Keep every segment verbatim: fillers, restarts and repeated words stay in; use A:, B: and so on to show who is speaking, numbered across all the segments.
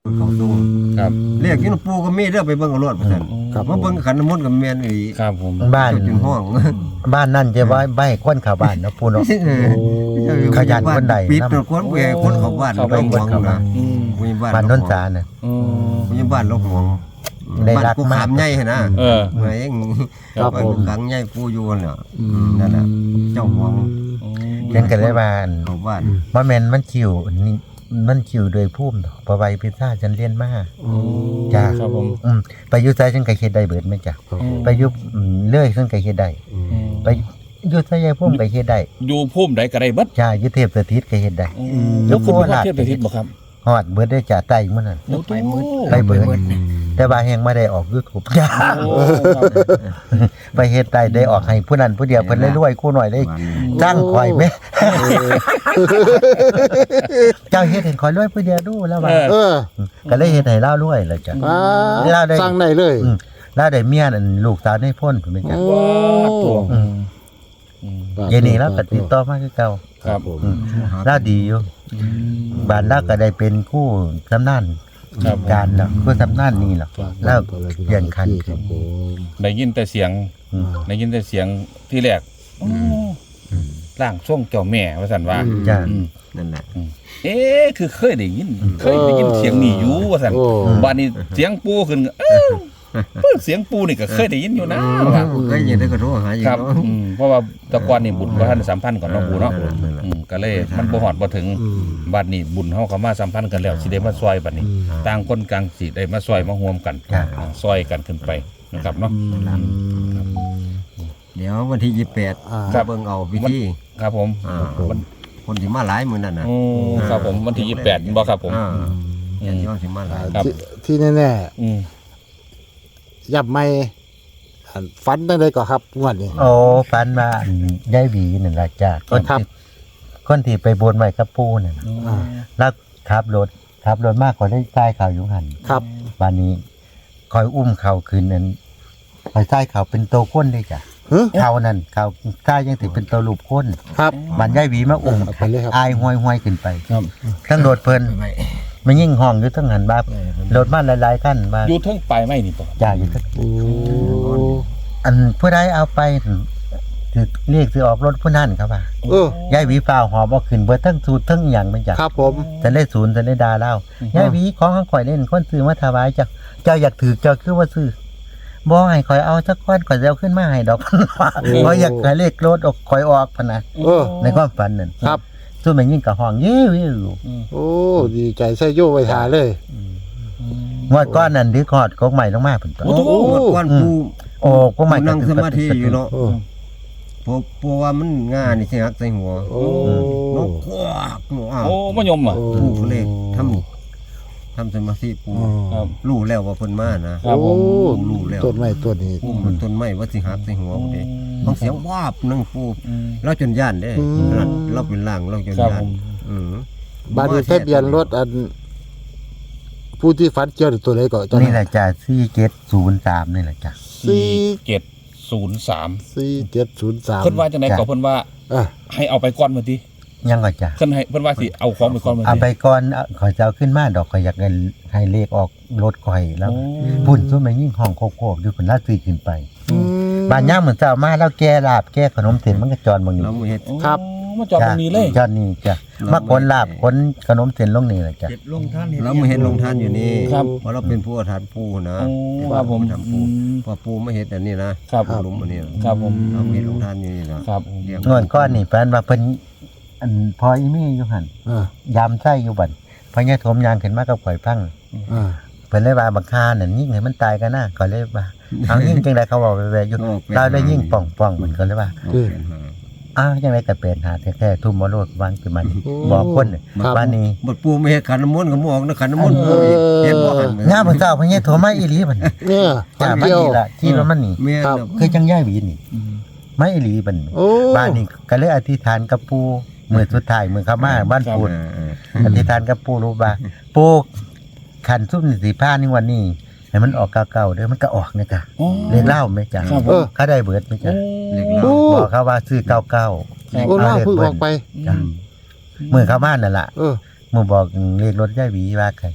A: เขาตู้
B: ครับ
A: เรียกกินปูก็มีเด้อไปเบิ่งเอารถว่าซั่นมาเบิ่งขันน้ำมนต์กับแม่นอี
B: ครับผม
C: บ้าน
A: จนห้อง
C: บ้านนั่นจะไว้ใบคนเข้าบ้านเนาะปูเนาะ ขยันคนใด
A: ปิดตัวคนเวคนเข้าบ้านเราห่วงนะ
B: อืม
A: มีบ้าน
C: บ้านนนทาน่ะ
B: อืม
A: มีบ้านเราห่วง
C: ได้
A: บ้าน
C: รัก
A: กู
C: มาก
A: ขามใหญ่หั่นนะ
B: เออ
A: เหมือนเอง
D: ครับผม
A: ขังใหญ่ปูอยู่นั่นน่ะนั่นน่ะเจ้าห่วง
C: เล่นกันได้บ้าน
A: เข้าบ้าน
C: บ่แม่นมันคิวนี่มันคิวโดยภูมิดอกเพราะใบพิซซ่าฉันเรียนมาจ้า
B: ครับผม
C: อืมไปอยู่ไสฉันก็เฮ็ดได้เบิดแม่จ้ะไปอยู่อืมเลื่อยฉันก็เฮ็ดได้ไปอยู่ไสยายภูมิก็เฮ็ดได้
B: อยู่ภูมิใดก็ได้เบิด
C: จ้าอยู่เทพสถิตก็เฮ็ดได้
B: ยกขึ้นไปเทียบไปทิศบ่ครับ
C: ฮอดเบิดได้จ้ะใต้มื้อนั้น
B: ไปมืด
C: ไปเบิดแต่ว่าแฮงบ่ได้ออก YouTube จ้า
B: โอ้ครับ
C: ไปเฮ็ดได้ได้ออกให้ผู้นั้นผู้เดียวเพิ่นเลยรวยคู่หน่อยได้
A: บ้าน
C: จ้างข่อยแม่เจ้าเฮ็ดให้ข่อยรวยผู้เดียวดูแล้วว่า
D: เออ
C: ก็เลยเฮ็ดให้เรารวยแล้วจ้ะ
D: อ่า
C: เวลาได้
D: สร้างได้เลย
C: อืมแล้วได้เมียนั่นลูกสาวในพ้นพุ่นแม่จ้ะ
D: โอ้
B: ว้าตัว
C: อืมเย็นนี้เราก็ติดต่อมาคือเก่า
B: ครับผม
C: อืมเราดีอยู่บ้านเราก็ได้เป็นคู่สำนาน
B: ครับ
C: การเนาะคู่สำนานนี่เนาะแล้วเปลี่ยนคัน
D: ค
C: ขึ้
D: รั
C: น
D: บผม
B: ได้ยินแต่เสียง
C: อืม
B: ได้ยินแต่เสียงที่แรกร่างทรงเจ้าแม่ว่าซั่นว่า
C: จ้ะ
B: อืม
A: นั่นแหละ
B: เอ๊ะคือเคยได้ยิน เคยได้ยินเสียงนี่อยู่ว่าซั่น
D: โอ้
B: บัดนี้เสียงปูขึ้นเอ้าเพิ่นเสียงปูนี่ก็เคยได้ยินอยู่นะว่า
A: ก็ยินได้ก็โทรหาอยู่
B: ครับ
A: เนาะ
B: อืมเพราะว่าแตะกอนนี่บุญบ่ทันสัมพันธ์กับน้องปูเนาะ
A: เออนั่นแหละ
B: อืมก็เลยมันบ่ฮอดบ่ถึง
D: อืม
B: บัดนี้บุญเฮาก็มาสัมพันธ์กันแล้วสิได้มาซอยบัดนี้ ต่างคนกลางสิได้มาซอยมาร่วมกัน
C: จ้ะ
B: อ่าซอยกันขึ้นไปนะครับเนาะ
A: เดี๋ยววันที่ยี่สิบแปด
D: อ่า
B: ครับ
A: เบิ่งเอาพิธี
B: ครับผม
A: อ่า
B: วัน
A: คนที่มาหลายมื้อนั่นน่ะ
B: โอ้ครับผมวันที่ยี่สิบแปดบ่ครับผม
A: อ่า
B: อืม
A: ญาติโยมสิมาหลาย
B: ครับ
D: ที่ที่แน่
B: อืม
D: ๆยับไม่อันฟันได้เลยก็ครับงวดนี้
C: โอ้ฝันว่าอันยายหวีนั่นล่ะจ้ะคน
D: ครับ
C: ที่คนที่ไปบนไว้กับปู่นั่นน่ะ
D: อ่า
C: แล้วขับรถขับรถมากกว่าได้ใต้ข่าวอยู่หัน
D: ครับ
C: วันนี้คอยอุ้มเขาคืนนั้นคอยใต้เขาเป็นโตก้นได้จ้ะ
D: เฮ้ย
C: เขานั่นเขาใต้ยังถือเป็นโตลูกก้น
D: ครับ
C: มันย่ายหวีมาอุ้ม
D: เอาไปเลยครับ
C: อายห้อยห้อยขึ้นไป
B: ครับ
C: ทั้งรถเพลินมันยิ่งห้องอยู่ทั้งหันบ้า
A: เออ
C: รถมาหลายๆขั้นมา
B: อยู่เทิงปลายไม้นี่ป่ะ
C: จ่ายอยู่ทั้ง
D: โอ้
C: อันผู้ใดเอาไปถือเรียกถือออกรถผู้นั่นครับว่า
D: เออ
C: ย่ายหวีฟ้าวหอบเอาขึ้นเบิดทั้งสูตรทั้งอย่างมันจ้ะ
D: ครับผม
C: จะได้ศูนย์จะได้ดาเล่าย่ายหวีของข้างข่อยเล่นคนซื้อมาถวายจ้ะเจ้าอยากถือเจ้าคือว่าซื้อบ่ให้ข่อยเอาสักก้อนข่อยจะเอาขึ้นมาให้ดอก เพราะอยากให้เลขรถออกข่อยออกพะนะ
D: เออ
C: ในความฝันนั่น
D: ครับ
C: ส่วนมันยิ่งกับห้องยิ้วยิ้ว
D: โอ้ดีใจใส่โย่ไว้ทาเลย
C: งวดก้อนนั่นที่กอดกกใหม่ลงมาเพิ่นตัว
B: โอ้โห
A: หมดก้อนปู
C: โอ้กกใหม่
A: นั่งสมาธิอยู่เนาะ
D: โอ้
A: เพราะเพราะว่ามันง่านี่สิฮักใส่หัว
D: โอ้
A: นกควักหนูอ้าว
B: โอ้มะยมอ่ะ
A: ปูก็เลยทำทำสมาธิปู
B: ครับ
A: รู้แล้วว่าเพิ่นมานะ
B: ครับผม
D: โอ้
A: รู้แล้ว
D: ต้นไม้ต้นนี้
A: ปูมันต้นไม้ว่าสิหักใส่หัวบ่ได้บางเสียงวาบนั่งปู
B: อืม
A: เราจนย่านเด้
D: อืม
A: เราเราเป็นล่างเราจน
B: ครับ
A: ย่าน
B: ผม
A: อือ
D: บ้านนี้ทะเบียนรถอัน ผู้ที่ฝันเกี่ยวกับตัวไหนก่อน
C: นี่แหละจ้ะสี่เจ็ดศูนย์สามนี่แหละจ้ะ
D: สี่
B: เจ็ดศูนย์สาม
D: สี่เจ็ดศูนย์สาม
B: เพิ่นว่าจังได๋ก็เพิ่นว่า
D: อ่ะ
B: ให้เอาไปก่อนมื้อติ
C: ยังก็จ้ะ
B: เพิ่นให้เพิ่นว่าสิเอาของไปก่อนมื้อ
C: เอา
B: ติ
C: ไปก่อนเอาขอยจะเอาขึ้นมาดอกขอยอยากให้ให้เลขออกรถข่อยแล้ว
B: โอ้
C: พุ่นส่วนมันยิ่งห้องโคกๆอยู่คนละซื้อขึ้นไป
D: อืม
C: บ้านย่างเหมือนเจ้ามาแล้วแก้ลาบแก้ขนมเส้นมันก็จรบางนี้
A: เราไม่เฮ็ด
D: ครับ
B: โอ้มาจอดตรงนี้เลย
C: จอดนี่จ้ะมาคนลาบคนขนมเส้นลงนี่แหละจ้ะ
A: เราไม่เฮ็ดลงทานอยู่นี่
B: ครับ
A: เพราะเราเป็นผู้อาถรรพ์ปูนะ
B: โอ้ครับผม
A: ทำ
B: อื
A: ปู
B: ม
A: พอปูไม่เฮ็ดอันนี้นะครับ หลุมอันนี้นะครับ
B: ผม
A: เราไม่เฮ็ดลงทานอยู่นี่นะครับ เรียก
C: งอนก้อนนี่แฟนว่าเพิ่นอันพออีมี่อยู่หั่น
D: อ่าย
C: ามไส้อยู่บัดพอเนี่ยโถมยางขึ้นมากับข่อยฟัง
D: อ่า
C: เพิ่นเลยว่าบักคานั่นยิ่งให้มันตายกันนะก็เลยว่าเอายิ่งจังไดเขาบอกไปๆอยู่เราได้ยิ่งป่องๆมันก็เลยว่า
D: คือ
C: อ้าวจังไดก็เป็นหาแท้ๆทุ่มบ่โลดวางคือมัน
D: โอ้
C: บอกคนน่ะ
D: ครับ
C: บ้านนี้
A: บดปูไม่เฮ็ดขันน้ำมนต์ก็บ่ออกนะขันน้ำมนต์ปูอีกเฮ็ดบ่หัน
C: งามมื้อเช้าพอเนี่ยโถมาอีหลีบัดนี้
D: เนี่ย
C: จ้า
D: ฝัน
C: มา
D: เกี่ยว
C: นี่ล่ะที่ว่ามันนี่
A: แม่น
D: ครับ
A: น่ะ
C: คือจังย่ายหวีนี่ไม่อีหลีบัดนี้
D: โอ้
C: บ้านนี้ก็เลยอธิษฐานกับปู่มื้อสุดท้ายมื้อเข้ามาบ้านปู่
A: เออเออ
C: อธิษฐานกับปู่รู้ว่าปู่ขันซุ่มนี่สิพานี่วันนี้ให้มันออกเก่าๆเด้อมันก็ออกเนี่ยจ้ะ
B: โอ้
C: เรียกเล่าไหมจ๊ะ
B: ครับผ
D: เอ
B: ม
D: อ
C: เขาได้เบิดไหมจ๊ะ
A: เรียก
D: โอ้
A: เรา
C: บอกเขาว่าซื้อเก่าเก่า
D: โอ้ล่าเพิ่งออกไป
C: จ้ะมือเข้าบ้านนั่นล่ะ
D: เออ
C: มือบอกเรียกรถย่ายหวีว่าใคร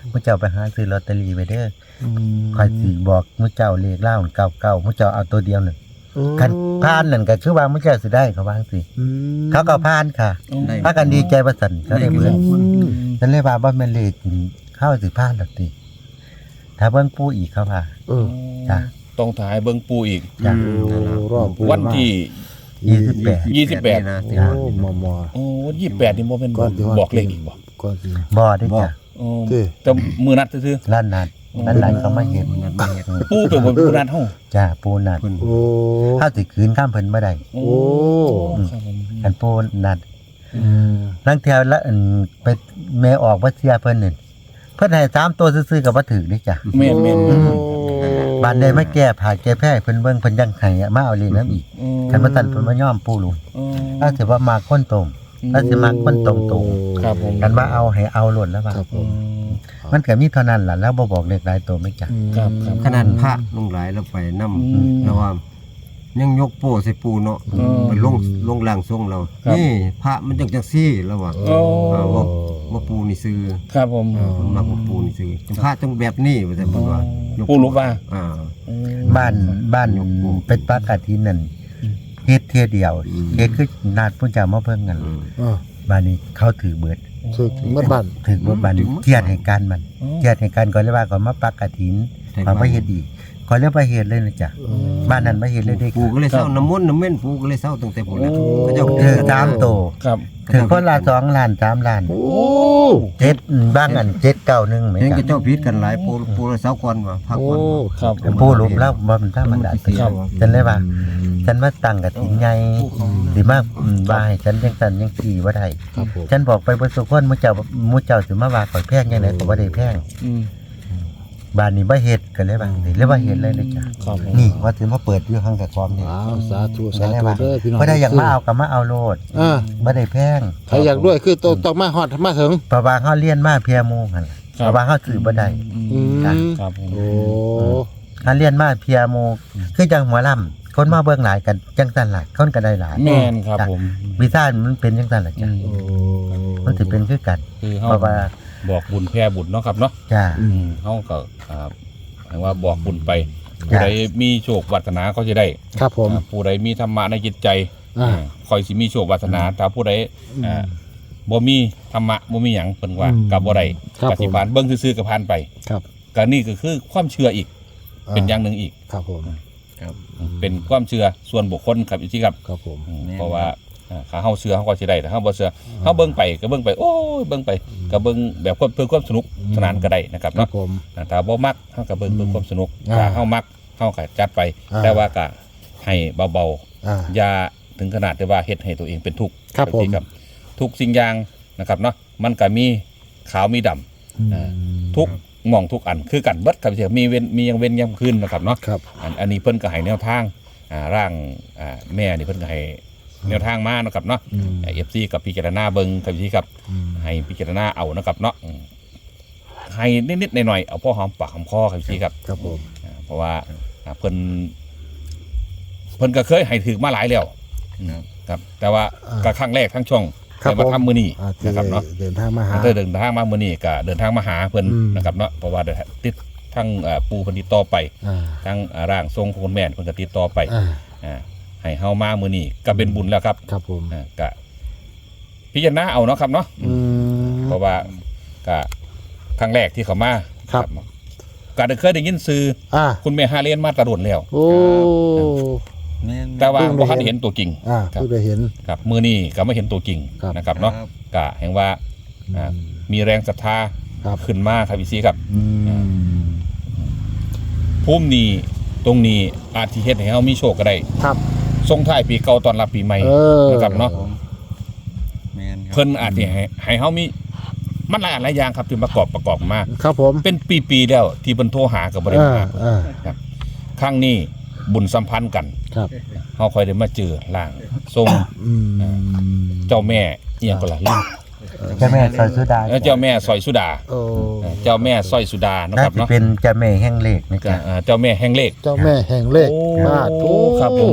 C: มื้อเจ้าไปหาซื้อลอตเตอรี่ไว้เด้อ
D: อืม
C: ข่อยสิบอกมื้อเจ้าเลขเล่าเก้าเก้ามื้อเจ้าเอาตัวเดียวนั่น
D: โอ้
C: คันผ่านนั่นก็คือว่ามื้อเจ้าสิได้เขาว่าจังซี่
D: อืม
C: เขาก็ผ่านค่ะ
A: ได้
C: พากันดีใจว่าซั่นเขาได้เบิ่ง
D: อืม
C: ฉันเลยว่าบ่แม่นเลขเข้าสิผ่านดอกติถ้าเบิ่งปู่อีกเขาว่า
D: เออ
C: จ้ะ
B: ต้องถ่ายเบิ่งปูอีก
C: จ้ะ
A: อืมนั่นล่ะ
D: รอบปู
B: วันที่
C: ยี่สิบแปด
B: ยี่สิบแปด
A: นี่นะ
D: โอ้มอมอ
B: โอ้ยี่สิบแปดนี่บ่เป็น
D: ก่อนที่ว่า
B: บอกเลขอีกบ่
D: ก่อนสิ
C: บ่ได้จ้ะ
B: โอ้
D: เด้
B: แต่มือนัดซื่อ
C: ล้านนัดล้านนัดเขามาเห็น
A: นั่นมาเฮ็ด
B: ๆปูเป็นบ่มือนัดเฮา
C: จ้ะปู่นัด
A: เพิ่น
D: โอ้
C: เฮาสิคืนข้ามเพิ่นบ่ได้
B: โอ้
D: โอ้
B: ครับผม
C: อันปู่นัด
D: อืม
C: ลังเที่ยวละอันไปแม่ออกบ่เสียเพิ่นนี่เพิ่นให้สามตัวซื่อๆก็บ่ถูกเด้จ้ะ
B: แม่นแม่น
D: โอ้
C: บานได้มาแก้ผ่าแก้แพ้ให้เพิ่นเบิ่งเพิ่นยังให้มาเอาเลขนํอีก
B: อืม
C: คันบ่ทันเพิ่นบ่ยอมปู่ลุง
B: อืม
C: ถ้าสิว่ามาคนตรงถ้าสิมาคนตรง
B: ครับผม
C: ๆกันว่าเอาให้เอาโลดแล้วว่า
D: ครับผ
B: อื
D: ม
B: ม
C: มันก็มีเท่านั้นล่ะแล้วบ่บอกเลขหลายตัวไม่จ้ะ
B: ครับครับ
A: ขนาดพระลงหลายแล้วไปนำ
B: อืม
A: แล้วว่ายังยกโป้ใส่ปูเนาะ
B: อืม
A: มันลงลงล่างทรงเรา
B: ครับ
A: นี่พระมันจังจังซี่แล้วว่า
B: โอ้
A: อ่าว่าว่าปูนี่ซื้อ
B: ครับผม
A: เพิ่นมักว่าปูนี่ซื้อพระต้องแบบนี้ว่าแต่เพิ่นว่า
B: ปูรู้ว่า
A: อ่า
B: อืม
C: บ้านบ้านเป็นปากาทินนั่นเฮ็ดเที่ยเดียวเฮ็ดคือนาดผู้เจ้ามาเพิ่งกัน
A: อืม
D: อ่า
C: บ้านนี้เขาถือเบิด
D: ถึกเมื่อบ้าน
C: ถือเบิดบ้านนี้เทียดให้การมันเทียดให้การก่อนเลยว่าก่อนมาปากาทินก่อนมาเฮ็ดอีกก่อนเรียกว่าเฮ็ดเลยนะจ๊ะบ้านนั้นมาเฮ็ดเลยได้
A: ปูก็เลยเศร้าน้ำมนต์น้ำเม่นปูก็เลยเศร้าตั้งแต่พุ่นน่ะเขาเจ้า
C: ถือตามโต
B: ครับ
C: ถือคนละสองล้านสามล้าน
D: โอ้
C: เจ็ดบ้างอันเจ็ดเก้าหนึ่งเหมือน
A: เห็น
C: กั
A: ก็
C: น
A: เจ้าพิษกันหลายปูปูละเศร้าก่อนว่าพัก
D: โอ้
A: ก่อนว่า
B: ครับ
C: ผู้หลุมแล้วบ่มันธรรมดา
B: ครับ
C: ฉันเลยว่า ฉันมาตั้งกับทีมใหญ่สิมาอืมว่าให้ฉันจังซั่นจังซี่บ่ได้
D: ครับผม
C: ฉันบอกไปบ่สุคนหมู่เจ้าหมู่เจ้าสิมาว่าข่อยแพงจังได๋ก็บ่ได้แพง
B: อืม
C: บ้านนี้บ่เฮ็ดก็เลยว่าสิเลยว่าเฮ็ดเลยเลยจ้ะ
B: ครับผม
C: นี่ว่าสิมาเปิดอยู่ข้างกับความนี่
D: อ้าวสาธุ
C: ก็
D: สา
C: เลย
D: ธุ
C: ว่า
D: เด้อพี่น้อง
C: บ่ได้อยากมาเอาก็มาเอาโลด
D: อ่า
C: บ่ได้แพง
D: ใครอยากด้วยคือต้องต้องมาฮอดมาถึง
C: เพราะว่าเฮาเรียนมาเพียหมู่หั่นล่ะเพราะว่าเฮาซื้อบ่ได้
D: อืม
C: จ้ะ
B: ครับผม
D: โอ้
C: เฮาเรียนมาเพียหมู่คือจังหมอลำคนมาเบิ่งหลายกันจังซั่นล่ะคนก็ได้หลาย
B: แม่นครับผม
C: วิชามันเป็นจังซั่นล่ะจ้ะ
D: โอ้
C: มันสิเป็นคือกัน
B: คือ
C: เพ
B: เฮา
C: ราะว่า
B: บอกบุญแพ่บุญเนาะครับเนาะ
C: จ้า
B: อืมเฮาก็อ่าหมายว่าบอกบุญไป
C: จ้ะ
B: ผู้ใดมีโชควาสนาก็จะได้
D: ครับผม
B: อ่าผู้ใดมีธรรมะในจิตใจ
D: อ่า
B: อ่าคอยสิมีโชควาสนาถ้าผู้ใดอ่าบ่มีธรรมะบ่มีหยังเพิ่นว่า
D: อืม
B: ก็บ่ได้
D: ครับ
B: ปฏิบัติเบิ่งซื่อๆก็ผ่านไป
D: ครับ
B: ก็นี่ก็คือความเชื่ออีก เป็นอย่างหนึ่งอีก
D: ครับผม
B: เป็นความเชื่อส่วนบุคคลครับอยู่ที่ครับ
D: ครับผม
B: อืมเพราะว่าอ่าถ้าเฮาเชื่อเฮาก็สิได้ถ้าเฮาบ่เชื่อเฮาเบิ่งไปก็เบิ่งไปโอ้ยเบิ่งไปก็เบิ่งแบบเพื่อความสนุกสนานก็ได้นะครับ
D: ครับ
B: เนาะ
D: ผม
B: อ่าถ้าบ่มักเฮาก็เบิ่งเพื่อความสนุก
D: อ่า
B: ถ้าเฮามักเฮาก็จัดไป
D: อ่า
B: แต่ว่าก็ให้เบา
D: อ่า
B: ๆอย่าถึงขนาดที่ว่าเฮ็ดให้ตัวเองเป็นทุกข์
D: ครับผม
B: ที่ทุกสิ่งอย่างนะครับเนาะมันก็มีขาวมีดำ อ่า ทุกหม่องทุกอันคือกันเบิดครับเสียมีเว้นมียังเว้นยังคืนนะครับเนาะ
D: ครับ
B: อันอันนี้เพิ่นก็ให้แนวทางอ่าร่างอ่าแม่นี่เพิ่นก็ให้แนวทางมาเนาะครับเนาะ
D: อืม
B: เอฟซีกับพิจารณาเบิ่งครับพี่ครับ
D: อืม
B: ให้พิจารณาเอานะครับเนาะอืมให้นิดๆหน่อยๆเอาพ่อหอมปากหอมคอครับพี่ครับ
D: ครับผม
B: อ่าเพราะว่าอ่าเพิ่นเพิ่นก็เคยให้ถือมาหลายแล้วครับ แต่ว่าก็ครั้งแรกทั้งช่อง
D: ครับ
B: แต่มาทำมื้อนี้
D: อ่าที่
B: นะครับเนาะ
D: เดินทางมาหา
B: เดินเดินทางมามื้อนี้ก็เดินทางมาหาเพิ่น
D: อืม
B: นะครับเนาะเพราะว่าเดินติดทั้งอ่าปูเพิ่นติดต่อไป
D: อ่า
B: ทั้งอ่าร่างทรงของคุณแม่เพิ่นก็ติดต่อไป
D: อ่า
B: อ่าให้เฮามามื้อนี้ก็เป็นบุญแล้วครับ
D: ครับผม
B: อ่าก็พิจารณาเอาเนาะครับเนาะ
D: อืม
B: เพราะว่าก็ครั้งแรกที่เขามา
D: ครับ
B: ก็ได้เคยได้ยินซื้อ
D: อ่า
B: คุณแม่ฮาเลียนมาตะโดนแล้ว
D: โอ้
A: แม่น
B: แต่ว่า
D: เพิ่งได้
B: บ่ทัน
D: เห็น
B: เห็นตัวจริง
D: อ่า
B: ครับ
D: เพิ่งได้เห็น
B: ครับมื้อนี้ก็ไม่เห็นตัวจริง
D: ครับ
B: นะครับเนาะก็แห่งว่าอ่า
D: อืม
B: มีแรงศรัทธา
D: ครับ
B: ขึ้นมาครับพี่ซีครับ
D: อืม
B: ภูมินี้ตรงนี้อาจสิเฮ็ดให้เฮามีโชคก็ได้
D: ครับ
B: ส่งท้ายปีเก่าต้อนรับปีใหม่
D: เออ
B: นะครับเนาะ
A: แม่นครับ
B: เพิ่นอาจสิให้ให้เฮามีมันหลายอันหลายอย่างครับที่ประกอบประกอบมา
D: ครับผม
B: เป็นปีๆแล้วที่เพิ่นโทรหาก็บ่ได้
D: อ่า
B: มา
D: อ่า
B: ครั้งนี้บุญสัมพันธ์กัน
D: ครับ
B: เฮาค่อยได้มาเจอร่างทรง
D: อืม
B: เจ้าแม่เอียงก็ล่ะลืม
C: เจ้าแม่ซอยสุดา
B: เออเจ้าแม่สร้อยสุดา
D: โอ้
B: เออเจ้าแม่สร้อยสุดานะ
C: น่า
B: ครับ
C: จะ
B: เนาะ
C: เป็นเจ้าแม่แห่งเลขนะ
B: ก็
C: จ๊ะ
B: เอ่อเจ้าแม่แห่งเลข
D: เจ้าแม่แห่งเลข
B: โอ้
D: มาทุ
B: ครับผม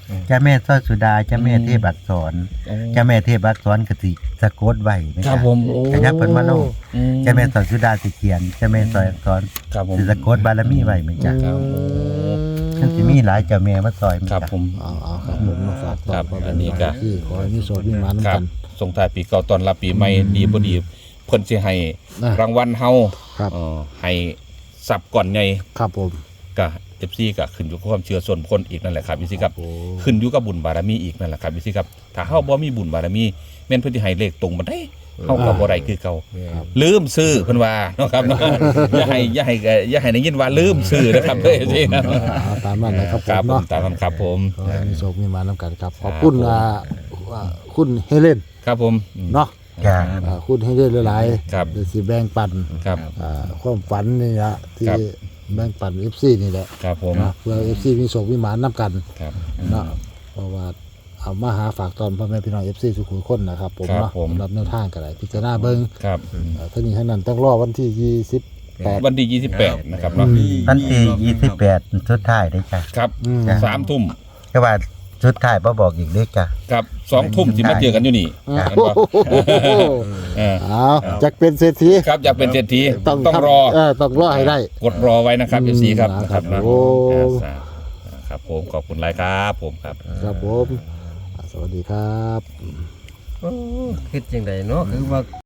C: เจ้าแม่สร้อยสุดาเจ้าแม่เทพอักษร
B: โอ้
C: เจ้าแม่เทพอักษรก็สิสะกดไว้นะ
B: ค
C: ค
B: รั
C: รั
B: บบ ผม
C: ขยับเพิ่นมาลง
B: อืม
C: เจ้าแม่สร้อยสุดาสิเขียนเจ้าแม่สร้อยอักษร
B: ครับผม
C: สิสะกดบารมีไว้เหมือนกัน
B: ครับ
C: มันสิมีหลายเจ้าแม่มาซอยเหมือน
B: ครับ
C: กัน
B: ผม
D: เอาเอาครับผมมาฝากต่อ
B: ครับ
D: พ่อแม่
B: อันนี้ก็
D: ที่ขอให้มีโชคมีหมาน
B: ครั
D: นำกับ น
B: ส่งท้ายปีเก่าต้อนรับปีใหม่ดีบ่ดีเพิ่นสิให้
D: นะ
B: รางวัลเฮา
D: ครับ
B: เอ่อให้สับก่อนไง
D: ครับผม
B: ก็ เอฟ ซี ก็ขึ้นอยู่กับความเชื่อส่วนบุคคลอีกนั่นแหละครับพี่ซีครับ
D: โอ้
B: ขึ้นอยู่กับบุญบารมีอีกนั่นแหละครับพี่ซีครับถ้าเฮาบ่มีบุญบารมีแม่นเพิ่นสิให้เลขตรงบ่ได้เฮาก็บ่ได้คือเก่าลืมซื้อเพิ่นว่าเนาะครับเนาะอย่าให้อย่าให้อย่าให้ได้ยินว่าลืมซื้อนะครับเด้อสิครับ
D: เอาตามนั้นนะครับผ
B: ครับ
D: ม
B: ผม
D: เนาะ
B: ตามนั้นครับผม
D: ขอให้มีโชคมีหมานนำกันครับขอบคุณอ่าอ่าคุณเฮเลน
B: ครับผม
D: เนาะ
C: จ้า
D: อ่าคุณเฮเลนหลายๆ
B: ครับ
D: เดี๋ยวสิแบ่งปัน
B: ครับ
D: อ่าความฝันนี่ละที่
B: ครับ
D: แบ่งปัน เอฟ ซี นี่แหละ
B: ครับผม
D: นะเพื่อ เอฟ ซี มีโชคมีหมานนำกัน
B: ครับ
D: เนาะเพราะว่าเอามาหาฝากตอนพ่อแม่พี่น้อง เอฟ ซี ทุกคนนะครับผม
B: ครับ
D: เนาะ
B: ผม
D: สำหรับแนวทางก็ได้พิจารณาเบิ่ง
B: ครับ
D: อ่าทั้งนี้ทั้งนั้นต้องรอวันที่ยี่สิบแปด
B: วันที่ยี่สิบแปดนะครับเนาะ
C: วันที่ยี่สิบแปดสุดท้ายเด้อจ้ะ
B: ครับ
D: อืม
B: สามทุ่ม
C: ก็ว่าสุดท้ายบ่บอกอีกเด้อจ้ะ
B: ครับสองทุ่มสิมาเจอกันอยู่นี่
C: ครับ
B: เห็นปะเออ
D: เอาจักเป็นเศรษฐี
B: ครับอยากเป็นเศรษฐีต้อง
D: ทำ
B: รอ
D: เต้องรอให้ได้
B: กดรอไว้นะครับ
D: อื
B: เอ
D: ม
B: ฟซีครับ
D: นะ
B: นะ
D: ค
B: ค
D: รั
B: รั
D: บบ
B: นะ
D: โอ้
B: อ่าครับผมขอบคุณหลายครับผมครับ
D: ครับผมอ่าสวัสดีครับ
A: คิดจังไดเนาะคือว่า